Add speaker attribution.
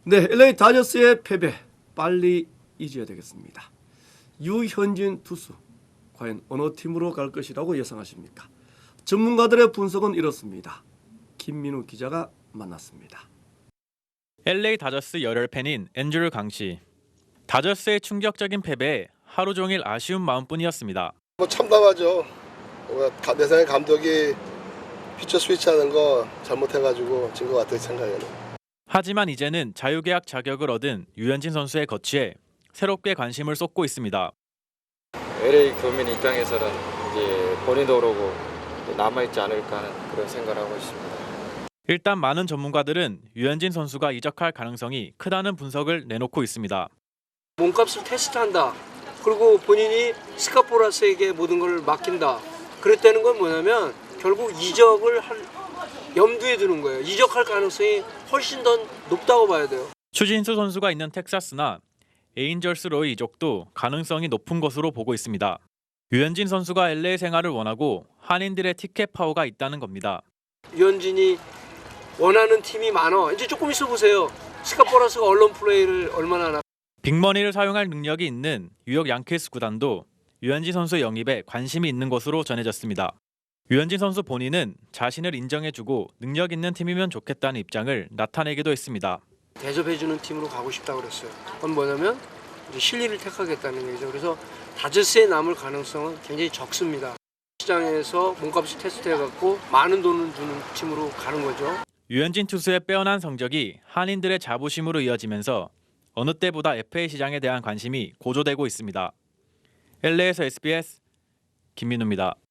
Speaker 1: 네, LA 다저스의 패배 빨리 잊어야 되겠습니다. 유현진 투수 과연 어느 팀으로 갈 것이라고 예상하십니까? 전문가들의 분석은 이렇습니다. 김민우 기자가 만났습니다.
Speaker 2: LA 다저스 열혈 팬인 앤드류 강씨. 다저스의 충격적인 패배에 하루 종일 아쉬운 마음뿐이었습니다.
Speaker 3: 참담하죠. 내 생각에 감독이 피처 스위치하는 거 잘못해가지고 진 것 같아요, 생각에는.
Speaker 2: 하지만 이제는 자유계약 자격을 얻은 유현진 선수의 거취에 새롭게 관심을 쏟고 있습니다.
Speaker 4: LA 교민 입장에서는 이제 본인도 그러고 남아있지 않을까 하는 그런 생각을 하고 있습니다.
Speaker 2: 일단 많은 전문가들은 유현진 선수가 이적할 가능성이 크다는 분석을 내놓고 있습니다.
Speaker 5: 몸값을 테스트한다. 그리고 본인이 스카포라스에게 모든 걸 맡긴다. 그랬다는 건 뭐냐면 결국 이적을 할 염두에 두는 거예요. 이적할 가능성이 훨씬 더 높다고 봐야 돼요.
Speaker 2: 추진수 선수가 있는 텍사스나 에인절스로의 이적도 가능성이 높은 것으로 보고 있습니다. 유현진 선수가 LA 생활을 원하고 한인들의 티켓 파워가 있다는 겁니다.
Speaker 5: 유현진이 원하는 팀이 많아. 이제 조금 있어 보세요. 스카포라스가 언론 플레이를 얼마나 하나.
Speaker 2: 빅머니를 사용할 능력이 있는 뉴욕 양키스 구단도 유현진 선수 영입에 관심이 있는 것으로 전해졌습니다. 유현진 선수 본인은 자신을 인정해주고 능력 있는 팀이면 좋겠다는 입장을 나타내기도 했습니다.
Speaker 5: 대접해주는 팀으로 가고 싶다고 그랬어요. 그건 뭐냐면 이제 실리를 택하겠다는 얘기죠. 그래서 다저스에 남을 가능성은 굉장히 적습니다. 시장에서 몸값을 테스트해갖고 많은 돈을 주는 팀으로 가는 거죠.
Speaker 2: 유현진 투수의 빼어난 성적이 한인들의 자부심으로 이어지면서 어느 때보다 FA 시장에 대한 관심이 고조되고 있습니다. LA에서 SBS 김민우입니다.